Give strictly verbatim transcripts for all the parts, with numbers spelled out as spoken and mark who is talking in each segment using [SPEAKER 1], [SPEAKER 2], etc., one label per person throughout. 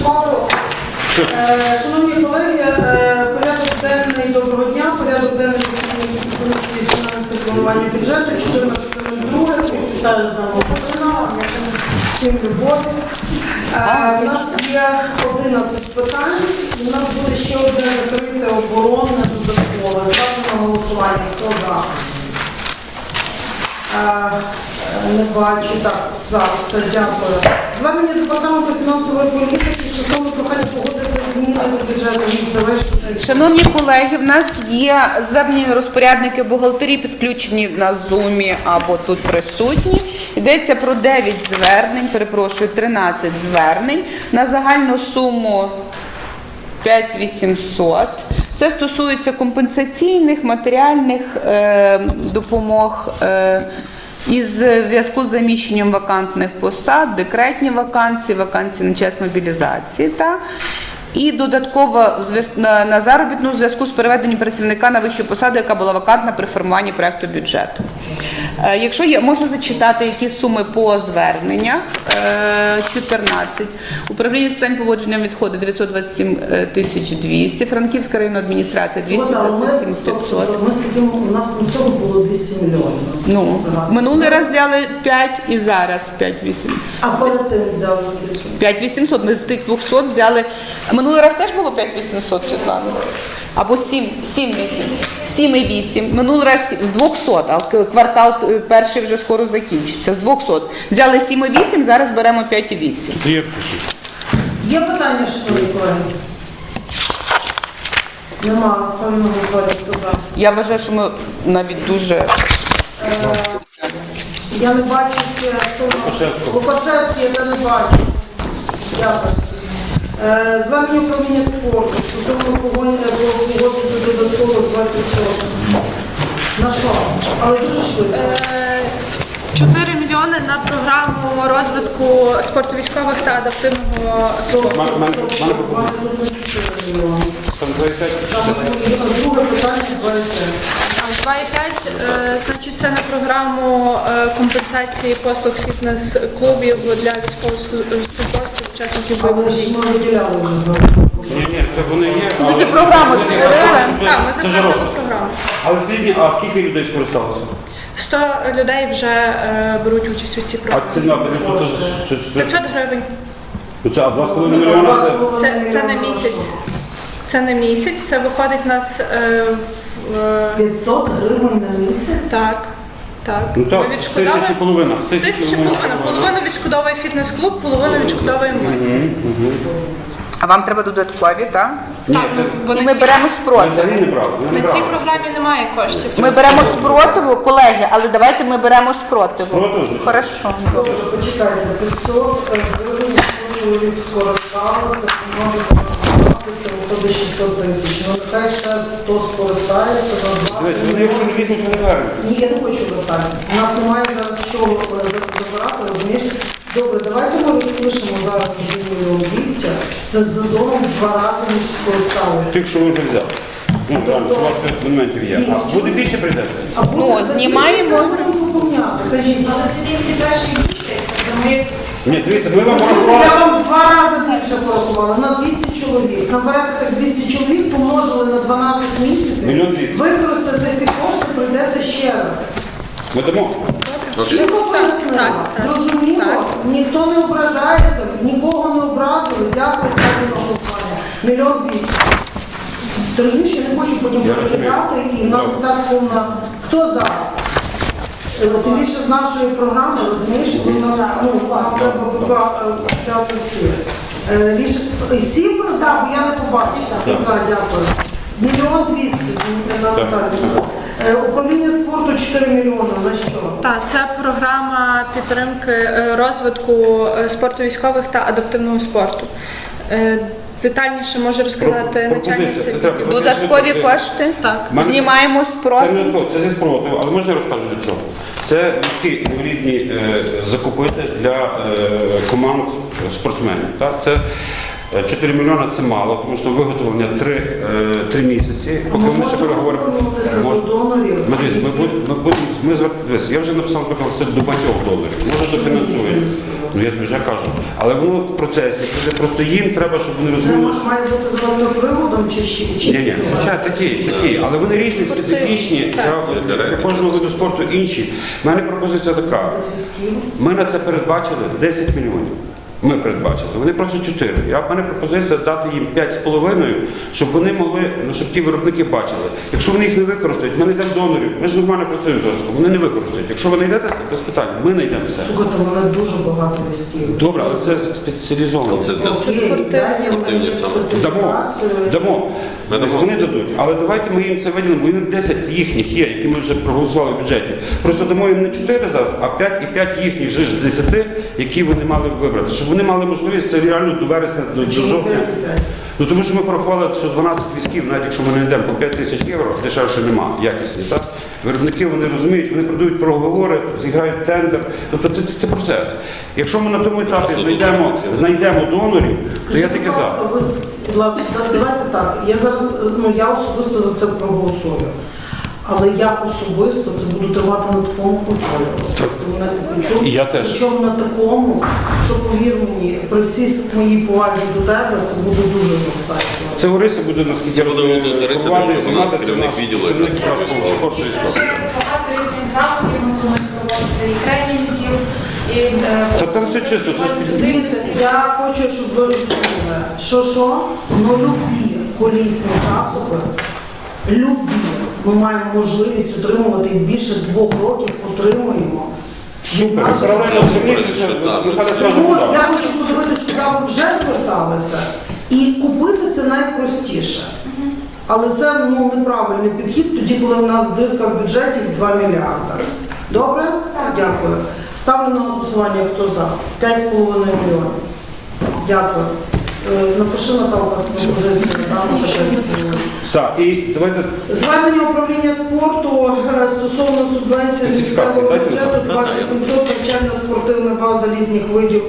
[SPEAKER 1] Шановні колеги, порядок денний, доброго дня, порядок денний комісії фінансового планування бюджету, чотирнадцяте друге, всіх вітаю з нами Україна, всім любов. У нас є одинадцять питань, у нас буде ще одне закрите оборонне додаткове. Ставимо на голосування, хто за? Не бачу, так, за, все, дякую. Звернення департаменту фінансової політики стосовно прохання погодити зміни до бюджету від.
[SPEAKER 2] Шановні колеги, в нас є звернення розпорядники бухгалтерії, підключені на Zoom або тут присутні. Йдеться про дев'ять звернень, перепрошую, тринадцять звернень на загальну суму п'ять тисяч вісімсот. Це стосується компенсаційних, матеріальних е, допомог е, із зв'язку з заміщенням вакантних посад, декретні вакансії, вакансії на час мобілізації та і додатково на, на заробітну в зв'язку з переведенням працівника на вищу посаду, яка була вакантна при формуванні проекту бюджету. Е, якщо є, можна зачитати, які суми по зверненнях. Е, чотирнадцять. Управління з питань поводження відходу дев'ятсот двадцять сім тисяч двісті, Франківська районна адміністрація двісті двадцять сім п'ятсот.
[SPEAKER 1] Ми з таким, у нас на всього було двісті мільйонів.
[SPEAKER 2] Ну, минулий раз взяли п'ять і зараз п'ять вісім.
[SPEAKER 1] А перед тим взяли скільки?
[SPEAKER 2] п'ять вісімсот. Ми з тих двохсот взяли. Минулий раз теж було п'ять вісімсот, Світлана? Або сім, сім вісім. сім і вісім. Минулий раз з двохсот, а квартал перший вже скоро закінчиться. З двохсот. Взяли сім і вісім, зараз беремо п'ять і вісім.
[SPEAKER 1] Є питання, шановні колеги? Нема, ставимо на голосування, хто за.
[SPEAKER 2] Я вважаю, що ми навіть дуже...
[SPEAKER 1] Е, я не бачу, хто у нас. Лукашевський, я не бачу. Дякую. Е, Звернення управління спорту стосовно погодити додатково двадцять відсотків. На що? Але дуже швидко.
[SPEAKER 3] чотири мільйони на програму розвитку спорту військових та адаптивного спорту.
[SPEAKER 1] У мене тут не чотири мільйони. Друге питання двадцять.
[SPEAKER 3] два і п'ять, е, значить, це на програму е, компенсації послуг фітнес-клубів для військовослужбовців, учасників
[SPEAKER 1] Але
[SPEAKER 3] бойових
[SPEAKER 1] ж
[SPEAKER 3] дій.
[SPEAKER 1] ми виділяли вже.
[SPEAKER 4] Ні, ні, це вони є.
[SPEAKER 2] Ми
[SPEAKER 4] але-
[SPEAKER 2] цю програму
[SPEAKER 4] Ні, ні,
[SPEAKER 2] створили.
[SPEAKER 4] це вже-
[SPEAKER 3] Так, ми
[SPEAKER 4] це вже
[SPEAKER 3] затвердили
[SPEAKER 4] розвиток.
[SPEAKER 3] програму.
[SPEAKER 4] Але скільки, а скільки людей скористалося?
[SPEAKER 3] сто людей вже е, беруть участь у цій
[SPEAKER 4] А
[SPEAKER 3] програмі.
[SPEAKER 4] ціна тобі тут що- що-
[SPEAKER 3] п'ятсот гривень.
[SPEAKER 4] Це а два з половиною мільйона це.
[SPEAKER 3] Це, це на місяць. Це на місяць, це виходить нас е, в, е,
[SPEAKER 1] п'ятсот гривень на місяць?
[SPEAKER 3] так. Так.
[SPEAKER 4] Ну так,
[SPEAKER 3] Ми
[SPEAKER 4] з тисячі половина. З тисячі
[SPEAKER 3] Тисяча половина. Половину відшкодовує фітнес-клуб, половину відшкодовує ми.
[SPEAKER 2] А вам треба додаткові, так?
[SPEAKER 4] Ні,
[SPEAKER 3] Так,
[SPEAKER 4] це
[SPEAKER 3] бо
[SPEAKER 2] І
[SPEAKER 3] на
[SPEAKER 2] ми
[SPEAKER 3] цій-
[SPEAKER 2] беремо
[SPEAKER 4] ми
[SPEAKER 2] спротив.
[SPEAKER 4] взагалі не брали. ми не
[SPEAKER 3] на цій
[SPEAKER 4] брали.
[SPEAKER 3] програмі немає коштів.
[SPEAKER 2] Ми беремо спротиву, колеги, але давайте ми беремо спротиву.
[SPEAKER 4] Спротиву, звичайно.
[SPEAKER 2] Хорошо.
[SPEAKER 1] Добре, почекайте, п'ятсот гривень, якщо чоловік скористався, може двадцять, це виходить шістсот тисяч. Ну, нехай ще хто скористається на
[SPEAKER 4] Дивись, вони
[SPEAKER 1] двадцять.
[SPEAKER 4] якщо не візьмуть, то не вернуть.
[SPEAKER 1] Ні, я не хочу вертати. У нас немає зараз що е, забирати, розумієш? Добре, давайте ми розпишемо зараз мільйон двісті. Це з зоном в два рази, ніж скористалися.
[SPEAKER 4] Тих, що ви вже взяли. Ну, реально, що у вас цих моментів є.
[SPEAKER 1] Ні,
[SPEAKER 4] А буде більше прийде?
[SPEAKER 1] А буде
[SPEAKER 2] Ну,
[SPEAKER 1] за
[SPEAKER 2] знімаємо.
[SPEAKER 1] двісті, це будемо поповняти. Кажіть,
[SPEAKER 5] Але це тільки перший місяць, то ми
[SPEAKER 4] Ні, дивіться, ми вам
[SPEAKER 1] ну,
[SPEAKER 4] порахували.
[SPEAKER 1] я вам в два рази більше порахувала, на двісті чоловік. Наберете так двісті чоловік, помножили на дванадцять місяців,
[SPEAKER 4] Мільйон двісті.
[SPEAKER 1] використаєте ці кошти, прийдете ще раз.
[SPEAKER 4] Ми дамо.
[SPEAKER 1] Чітко пояснила,
[SPEAKER 3] так, так.
[SPEAKER 1] зрозуміло, ніхто не ображається, нікого не образили, дякую, ставлю на голосування. Мільйон двісті. Ти розумієш, я не хочу потім
[SPEAKER 4] Я
[SPEAKER 1] перекидати, і в нас і
[SPEAKER 4] Добре.
[SPEAKER 1] так повна. Хто за? Е, Тим більше з нашої програми, розумієш, у нас ну, нам треба купляти ці. Е, ріш- Всі про за, бо я не побачила. Всі за, дякую. Мільйон двісті на Наталію. Е, Управління спорту чотири мільйони. На що?
[SPEAKER 3] Так, це програма підтримки е, розвитку е, спорту військових та адаптивного спорту. Е, Детальніше може розказати
[SPEAKER 4] Про-
[SPEAKER 3] начальниця.
[SPEAKER 4] пропозиція. Це треба.
[SPEAKER 3] відділу.
[SPEAKER 2] Додаткові кошти.
[SPEAKER 3] Так.
[SPEAKER 4] Мене-
[SPEAKER 2] Знімаємо
[SPEAKER 4] Це не
[SPEAKER 2] спротив.
[SPEAKER 4] додатково, це зі спротиву, але можна я розкажу для чого? Це військові інвалідні е, закупити для е, команд спортсменів. Так? Це е, чотири мільйони це мало, тому що виготовлення три місяці.
[SPEAKER 1] А
[SPEAKER 4] Поки
[SPEAKER 1] ми
[SPEAKER 4] ми ще
[SPEAKER 1] можемо
[SPEAKER 4] переговоримо.
[SPEAKER 1] звернутися до
[SPEAKER 4] Мож-
[SPEAKER 1] донорів?
[SPEAKER 4] Ми, дивіться, ми, будемо- ми, будемо- ми звертаємося. Я вже написав наприклад, це до багатьох доларів. Може дофінансують. Ну я тобі вже кажу. Але воно в процесі, це просто їм треба, щоб вони
[SPEAKER 1] Це
[SPEAKER 4] розуміли.
[SPEAKER 1] має бути з електроприводом чи ще? чи-
[SPEAKER 4] Ні, ні, хоча такі, такі, але вони різні, специфічні, для, для кожного виду спорту інші. У мене пропозиція така. Ми на це передбачили десять мільйонів. Ми передбачили. Вони просять чотири. Я в мене пропозиція дати їм п'ять з половиною, щоб вони могли, ну щоб ті виробники бачили. Якщо вони їх не використають, ми знайдемо донорів. Ми ж нормально працюємо зараз. Вони не використають. Якщо ви знайдете це, без питань, ми знайдемо все.
[SPEAKER 1] Слухайте, в мене дуже багато листів.
[SPEAKER 4] Добре, але це спеціалізовано.
[SPEAKER 6] Це для
[SPEAKER 3] Це спортивні
[SPEAKER 4] Дамо, дамо.
[SPEAKER 6] Ми дамо.
[SPEAKER 4] Вони дадуть. Але давайте ми їм це виділимо, бо їм десять їхніх є, які ми вже проголосували в бюджеті. Просто дамо їм не чотири зараз, а п'ять і п'ять їхніх же ж з десяти, які вони мали вибрати. Щоб вони мали можливість це реально до вересня, до, до
[SPEAKER 1] Чому
[SPEAKER 4] жовтня.
[SPEAKER 1] п'ять і п'ять?
[SPEAKER 4] Ну тому що ми порахували, що дванадцять візків, навіть якщо ми не йдемо по п'ять тисяч євро, дешевше нема, якісні. Так? Виробники вони розуміють, вони продають проговори, зіграють тендер. Тобто це, це, це процес. Якщо ми на тому етапі знайдемо, знайдемо донорів, то я
[SPEAKER 1] Скажіть,
[SPEAKER 4] таки
[SPEAKER 1] будь
[SPEAKER 4] за.
[SPEAKER 1] ласка, ви з- Ладно, да- давайте так. Я зараз, ну я особисто за це проголосую. Але я особисто це буду тривати на такому контролі. Тобто мене- причому-
[SPEAKER 4] І я теж.
[SPEAKER 1] Причому на такому, що повір мені, при всій моїй повазі до тебе, це буде дуже жорстка історія.
[SPEAKER 4] Це Орися буде наскільки
[SPEAKER 6] Це буде
[SPEAKER 4] розумію,
[SPEAKER 6] Лариса,
[SPEAKER 4] керувати,
[SPEAKER 6] у нас
[SPEAKER 4] займатися,
[SPEAKER 6] керівник
[SPEAKER 4] це наш-
[SPEAKER 6] відділу
[SPEAKER 4] це
[SPEAKER 6] якраз
[SPEAKER 4] наш
[SPEAKER 6] справи
[SPEAKER 4] справа спорту і спорту.
[SPEAKER 5] Ще багато різних заходів ми плануємо проводити і тренінгів, і е,
[SPEAKER 4] Та це все чисто, це ж
[SPEAKER 1] Дивіться, я хочу, щоб ви розуміли, що що, ну любі колісні засоби, любі, ми маємо можливість отримувати їх більше двох років, отримуємо.
[SPEAKER 4] супер.
[SPEAKER 1] Наші-
[SPEAKER 4] Паралельно зверніться,
[SPEAKER 6] Що
[SPEAKER 4] що
[SPEAKER 6] там?
[SPEAKER 4] Михайло скаже,
[SPEAKER 1] Тому
[SPEAKER 4] куди.
[SPEAKER 1] я хочу подивитися, куди ви вже зверталися, і купити це найпростіше. Але це ну, неправильний підхід, тоді, коли в нас дирка в бюджеті в два мільярди. Добре? Дякую. Ставлю на голосування, хто за. п'ять з половиною мільйонів. Дякую. Е, Напиши, Наталка, з пропозицією. да, на п'ять з половиною.
[SPEAKER 4] Так, і давайте
[SPEAKER 1] Звернення управління спорту е, стосовно субвенції з
[SPEAKER 4] Специфікації
[SPEAKER 1] місцевого
[SPEAKER 4] дайте,
[SPEAKER 1] бюджету
[SPEAKER 6] Наталя.
[SPEAKER 1] два тисячі сімсот навчальна спортивна база літніх видів.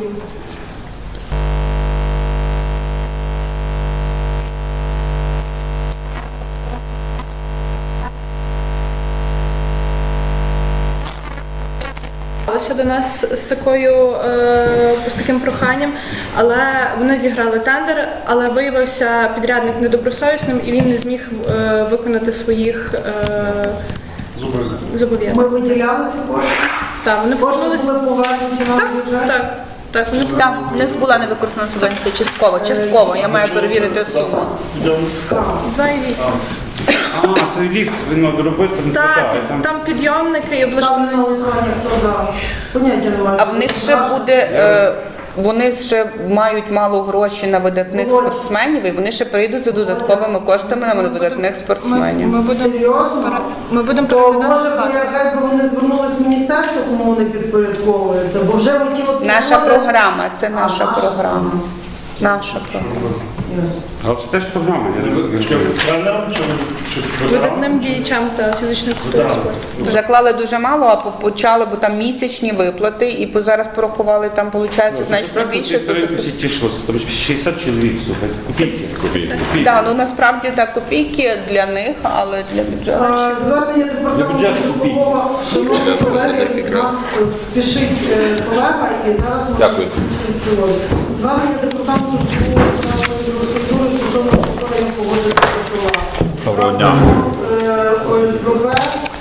[SPEAKER 3] Звернулися до нас з такою е, з таким проханням, але вони зіграли тендер, але виявився підрядник недобросовісним і він не зміг е, виконати своїх е, зобов'язань.
[SPEAKER 1] Ми виділяли ці кошти.
[SPEAKER 3] Так, вони
[SPEAKER 1] Кошти
[SPEAKER 3] повернулися.
[SPEAKER 1] були повернуті на
[SPEAKER 3] Так,
[SPEAKER 1] бюджет.
[SPEAKER 3] так, так, вони
[SPEAKER 2] Там в них була невикористана субвенція частково. Частково. Я маю перевірити суму.
[SPEAKER 1] Скам.
[SPEAKER 3] два і вісім.
[SPEAKER 4] а, цей ліфт він треба робити, не
[SPEAKER 3] Так,
[SPEAKER 4] хватає.
[SPEAKER 3] там, там підйомники і
[SPEAKER 1] Ставлю на
[SPEAKER 3] облаштування.
[SPEAKER 1] голосування, хто за. Поняття немає.
[SPEAKER 2] А в них ще буде. е, Вони ще мають мало грошей на видатних
[SPEAKER 1] Володь.
[SPEAKER 2] спортсменів, і вони ще прийдуть за додатковими коштами на видатних
[SPEAKER 3] Ми,
[SPEAKER 2] спортсменів.
[SPEAKER 3] ми будемо
[SPEAKER 1] Серйозно?
[SPEAKER 3] ми будемо
[SPEAKER 1] То
[SPEAKER 3] переглядати
[SPEAKER 1] може
[SPEAKER 3] з
[SPEAKER 1] би,
[SPEAKER 3] вас.
[SPEAKER 1] хай би вони звернулись в міністерство, кому вони підпорядковуються, бо вже оті от
[SPEAKER 2] Наша
[SPEAKER 1] підходи-
[SPEAKER 2] програма, це
[SPEAKER 1] А,
[SPEAKER 2] наша
[SPEAKER 1] наша
[SPEAKER 2] програма. Наша програма.
[SPEAKER 1] Ясно.
[SPEAKER 4] Але це теж програма, я не розумію.
[SPEAKER 7] Тренером чи чи ветераном?
[SPEAKER 3] Видатним діячам та фізичної культури
[SPEAKER 7] Так.
[SPEAKER 3] спорту.
[SPEAKER 2] Заклали дуже мало, а по- почали, бо там місячні виплати, і по- зараз порахували, там виходить значно більше. то-
[SPEAKER 4] Ті всі тішилися, там шістдесят чоловік, слухайте, копійки.
[SPEAKER 6] Копійки.
[SPEAKER 4] Копійки.
[SPEAKER 2] Так, ну насправді так копійки для них, але для бюджету.
[SPEAKER 1] Е, Звернення
[SPEAKER 4] Для
[SPEAKER 1] департаменту
[SPEAKER 4] бюджету
[SPEAKER 1] житлового, шановні
[SPEAKER 6] Бюджету
[SPEAKER 1] колеги,
[SPEAKER 6] для них
[SPEAKER 1] у
[SPEAKER 6] якраз.
[SPEAKER 1] нас е, спішить е, колега, і зараз ми
[SPEAKER 6] Дякую.
[SPEAKER 1] закінчимо сьогодні. Звернення департаменту житлового інфраструктури стосовно повторення погоди протокола.
[SPEAKER 7] Доброго дня.
[SPEAKER 1] Е, ОСББ,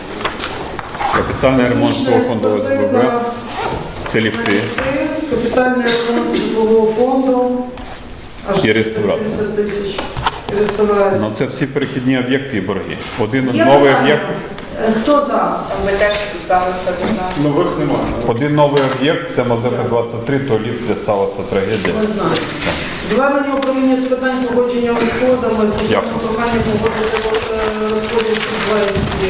[SPEAKER 7] Капітальний ремонт житлового фонду ОСББ.
[SPEAKER 1] експертиза,
[SPEAKER 7] Це ліфти.
[SPEAKER 1] капітальний ремонт житлового фонду. Аж
[SPEAKER 7] І реставрація.
[SPEAKER 1] сімдесят тисяч. І реставрація.
[SPEAKER 7] Ну це всі перехідні об'єкти і борги. Один
[SPEAKER 1] Є
[SPEAKER 7] новий
[SPEAKER 1] питання?
[SPEAKER 7] об'єкт.
[SPEAKER 1] Е, Хто за?
[SPEAKER 2] Ми теж сталося до
[SPEAKER 7] Нових немає. Один новий об'єкт це Мазепа двадцять три, то ліфт, де сталася трагедія.
[SPEAKER 1] Не знаю. Звернення управління з питань погодження відходами стосовно
[SPEAKER 7] Дякую.
[SPEAKER 1] прохання погодити е, розподіл субвенції.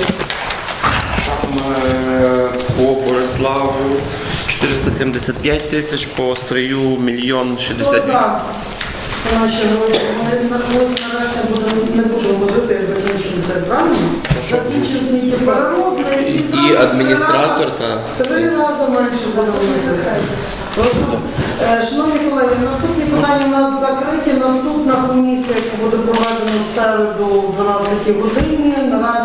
[SPEAKER 8] Е, По Бориславу чотириста сімдесят п'ять тисяч, по Стрию мільйон
[SPEAKER 1] Хто
[SPEAKER 8] шістдесят.
[SPEAKER 1] за? Це наші гроші. Ми на когось нарешті будемо, не будемо возити, як закінчимо це, правильно? Закінчимо сміттєпереробне і,
[SPEAKER 8] І
[SPEAKER 1] зразу
[SPEAKER 8] адміністратор,
[SPEAKER 1] три рази-
[SPEAKER 8] та.
[SPEAKER 1] Три рази менше будемо возити. Прошу. Е, Шановні колеги, наступні питання у нас закриті. Наступна комісія, яка буде проведена в середу о дванадцятій годині. Наразі